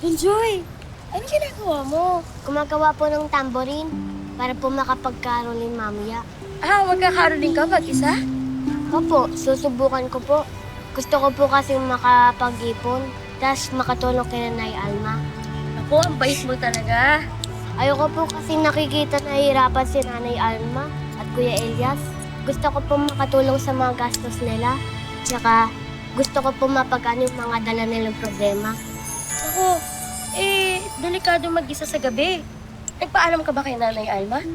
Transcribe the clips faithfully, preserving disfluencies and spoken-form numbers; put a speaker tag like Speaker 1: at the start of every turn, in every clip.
Speaker 1: Enjoy! Ano ginagawa mo?
Speaker 2: Gumagawa po ng tamborin para po makapagkarolin mamaya.
Speaker 1: Ah, magkakaroling ka mag-isa?
Speaker 2: Opo, susubukan ko po. Gusto ko po kasi makapag-ipon, tapos makatulong kay Nanay Alma.
Speaker 1: Ako, ang bait mo talaga.
Speaker 2: Ayoko po kasi nakikita na hirapan si Nanay Alma at Kuya Elias. Gusto ko po makatulong sa mga gastos nila. Tsaka gusto ko po mapagano yung mga dala nilang problema.
Speaker 1: Ako, eh, delikado mag-isa sa gabi. Nagpaalam ka ba kay Nanay Alma?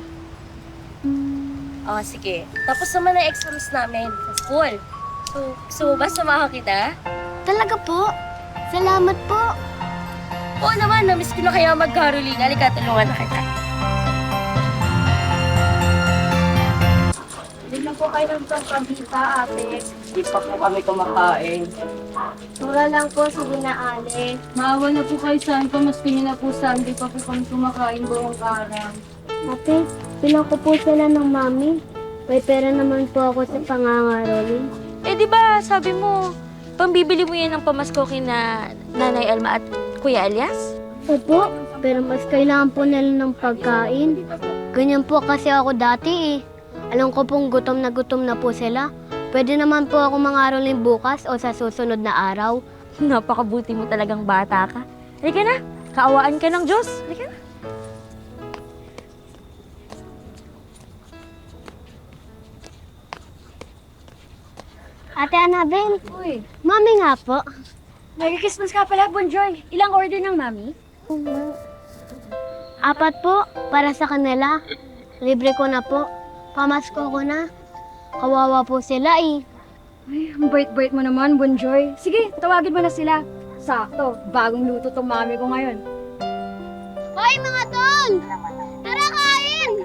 Speaker 1: Oh, sige. Tapos naman ang exams namin sa school. So, gusto mo ba samahan kita?
Speaker 2: Talaga po? Salamat po.
Speaker 1: Oo naman, namiss ko na kaya mag-caroling. Halika, tulungan na kita. Bigyan po kayo ng pagpabita, ate.
Speaker 3: Hindi pa po kami kumakain.
Speaker 2: Mura lang po, sige na, Ale.
Speaker 3: Maawa na po kayo sa akin, pamaski niyo na po sa hindi pa po kami kumakain buong araw.
Speaker 2: Ate, pilang ko po sila ng mami. May pera naman po ako sa pangangaroling.
Speaker 4: Eh, di ba sabi mo, pambibili mo yan ng pamasko kina Nanay Alma at Kuya Elias?
Speaker 2: Opo, pero mas kailangan po nila ng pagkain. Ganyan po kasi ako dati eh. Alam ko pong gutom na gutom na po sila. Pwede naman po ako mangaroling bukas o sa susunod na araw.
Speaker 4: Napakabuti mo talagang bata ka. Halika na, kaawaan ka ng Diyos. Halika na.
Speaker 2: Ate Annabel,
Speaker 1: Uy,
Speaker 2: mami nga po.
Speaker 1: Merry Christmas ka pala, Bonjoy. Ilang order ng mami?
Speaker 2: Apat po, para sa kanila. Libre ko na po. Pamasko ko na. Kawawa po sila eh.
Speaker 5: Ay, ang bait-bait mo naman, Bonjoy. Sige, tawagin mo na sila. Sakto, bagong luto tong mami ko ngayon.
Speaker 2: Hoy mga tol! Tara kain!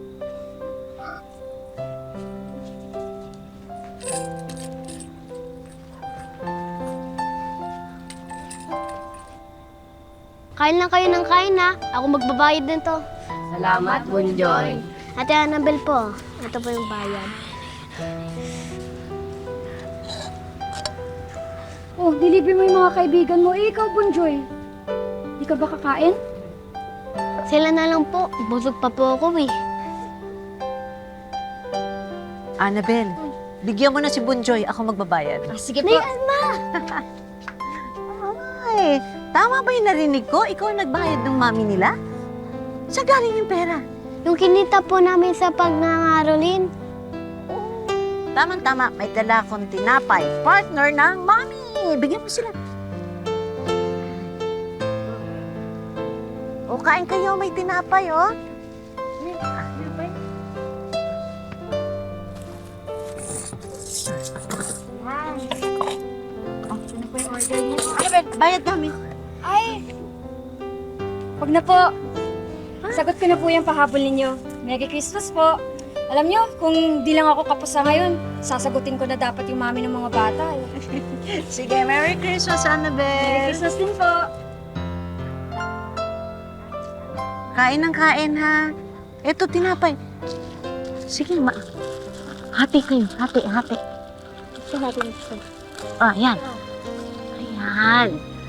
Speaker 2: Kain lang kayo ng kain ha. Ako magbabayad din to.
Speaker 3: Salamat, Bunjoy.
Speaker 2: Ate Annabel po, ito po yung bayad.
Speaker 5: Oh, deliver mo yung mga kaibigan mo. Eh, ikaw, Bonjoy. Di ka ba kakain?
Speaker 2: Sila na lang po. Busog pa po ako eh.
Speaker 6: Annabel, bigyan mo na si Bunjoy. Ako magbabayad.
Speaker 5: Ah, sige
Speaker 2: Nay
Speaker 5: po.
Speaker 2: Alma!
Speaker 6: Ay, tama ba yung narinig ko? Ikaw ang nagbayad ng mami nila? Saan galing yung pera?
Speaker 2: Yung kinita po namin sa pagnangarolin.
Speaker 6: Tama-tama, may dala akong tinapay. Partner ng mami. Bigyan mo sila. O, kain kayo. May tinapay, oh.
Speaker 5: Ano po yung order niyo?
Speaker 6: Annabel, bayad kami.
Speaker 5: Ay! Wag na po. Sagot ko na po yung pahabol ninyo. Merry Christmas po. Alam nyo, kung di lang ako kapusa ngayon, sasagutin ko na dapat yung mami ng mga bata. Eh.
Speaker 6: Sige, Merry Christmas,
Speaker 5: Merry
Speaker 6: Annabel.
Speaker 5: Christmas din po.
Speaker 6: Kain ng kain, ha? Eto, tinapay. Sige, ma. Hati kayo. Hati, hati.
Speaker 2: Ito natin ito.
Speaker 6: Ah, yan. Ayan.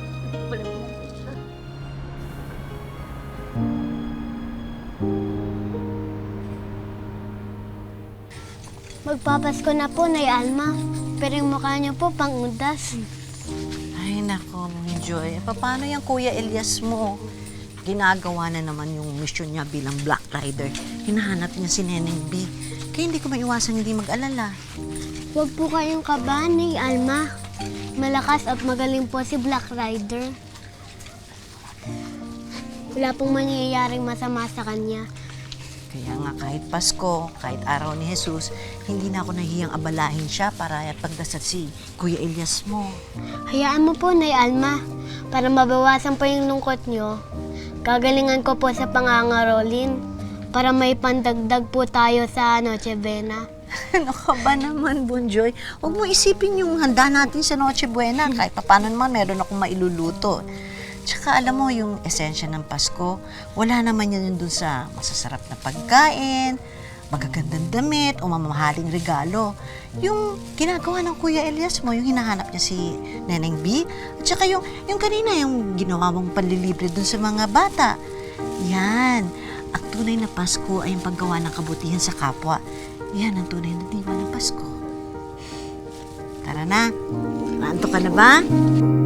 Speaker 2: Magpapasko na po, Nay Alma. Pero yung mukha niyo po, pang-udas.
Speaker 6: Ay, nako, Joy. Paano yung Kuya Elias mo? Ginagawa na naman yung mission niya bilang Black Rider. Hinahanap niya si Neneng B. Kaya hindi ko maiwasang hindi mag-alala.
Speaker 2: Huwag po kayong kabahan, Nay Alma. Malakas at magaling po si Black Rider. Wala pong mangyayaring masama sa kanya.
Speaker 6: Kaya nga kahit Pasko, kahit araw ni Jesus, hindi na ako nahiyang abalahin siya para pagdasal si Kuya Elias mo.
Speaker 2: Hayaan mo po, Nay Alma. Para mabawasan po yung lungkot niyo, gagalingan ko po sa pangangarolin para may pandagdag po tayo sa Noche Buena.
Speaker 6: Ano ka ba naman, Bunjoy? Huwag mo isipin yung handa natin sa Noche Buena. Kahit paano naman, meron akong mailuluto. Tsaka alam mo, yung esensya ng Pasko, wala naman yun dun sa masasarap na pagkain, magagandang damit o mamahaling regalo. Yung ginagawa ng Kuya Elias mo, yung hinahanap niya si Neneng B, at saka yung, yung kanina, yung ginawa mong panlilibre dun sa mga bata. Yan. Ang tunay na Pasko ay yung paggawa ng kabutihan sa kapwa. Yan ang tunay na diwa ng Pasko. Tara na. Naantok ka na ba?